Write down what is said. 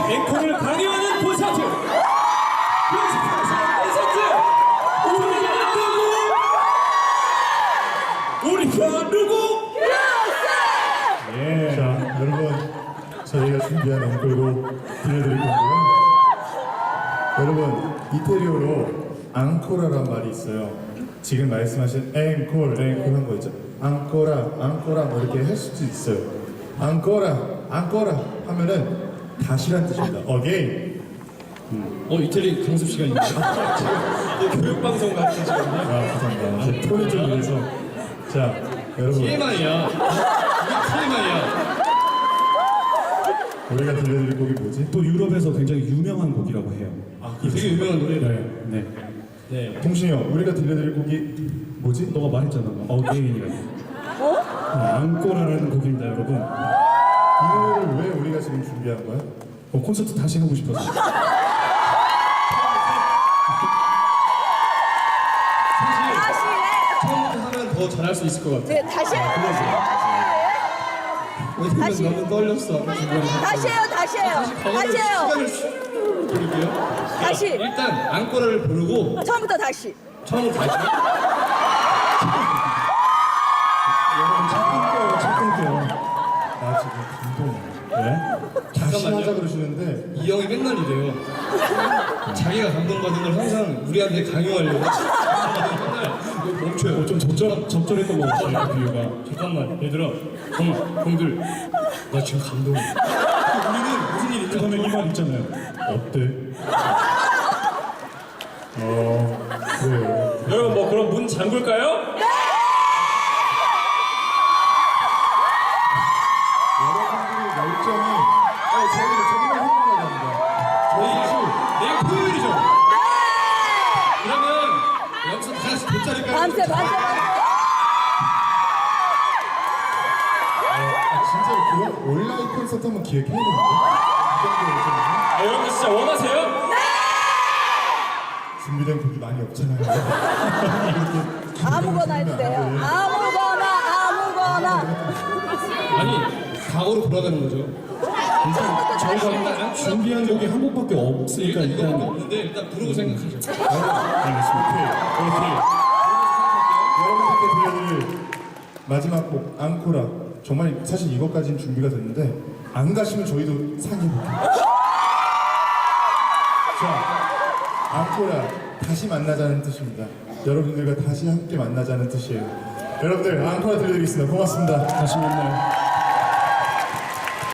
앵콜을 강요하는 콘서트. 우리가 누구? 예. 자, 여러분, 저희가 준비한 앵콜곡 들려드릴 건데요. 여러분, 이태리어로 앙코라란 말이 있어요. 지금 말씀하신 앵콜 한 거 있죠. 앙코라 뭐 이렇게 할 수도 있어요. 앙코라 하면은 다시란 뜻입니다. 어게인. 이태리 강습 시간인가요? 교육방송 같은 시간이요? 감사합니다. 제 톤이 좀 그래서. 자, 여러분. TMI야. TMI야. 우리가 들려드릴 곡이 뭐지? 또 유럽에서 굉장히 유명한 곡이라고 해요. 되게 유명한 노래를. 네. 네. 동신이 형, 우리가 들려드릴 곡이 뭐지? 너가 말했잖아. 어게인이라고. 앙꼬라라는 곡입니다, 여러분. 이 노래를 왜 우리가 지금 준비한 거야? 콘서트 다시 하고 싶어서. 처음부터 하면 더 잘할 수 있을 것 같아. 네, 다시 해요. 왜냐면 다시. 너무 떨렸어. 다시 해요. 다시 해요. 다시 해요. 시간을 부를게요. 다시. 일단 앙꼬라를 부르고 처음부터 다시. 처음으로 다시. 착각해요. 나 지금 감동이야. 네? 다시 잠깐만요. 하자 그러시는데 이 형이 맨날 이래요. 자기가 감동받은 걸 항상 우리한테 강요하려고. 맨날 이거 멈춰요. 좀 적절했던 것 같아요, 그 비유가. 잠깐만, 얘들아. 형들, 나 지금 감동해. 우리는 무슨 일이 그 다음에 이 말 있잖아요. 어때? 그래요. 여러분, 뭐 그럼 문 잠글까요? 여러분들의 열정이 저희를 정말 행복하게 합니다. 저희 사실 내일 토요일이죠? 그러면 여기서 다 같이 돗자리 깔고 밤새. 진짜로 그런 온라인 콘서트 한번 기획해야 되는데. 여러분 진짜 원하세요? 네! 준비된 곡이 많이 없잖아요. 아무거나 해도 돼요. 아무거나. 아니, 과거로 돌아가는 거죠. 저희가 준비한 곡이 한 곡밖에 없으니까 일단 이거밖에 일단 없는데 일단 부르고 생각하죠. 여러분들께 들려드릴 마지막 곡 앙코라. 정말 사실 이것까지는 준비가 됐는데 안 가시면 저희도 상의해볼게요. 자, 앙코라 다시 만나자는 뜻입니다. 여러분들과 다시 함께 만나자는 뜻이에요. 여러분들 앙코라 들려드리겠습니다. 고맙습니다. 다시 만나요.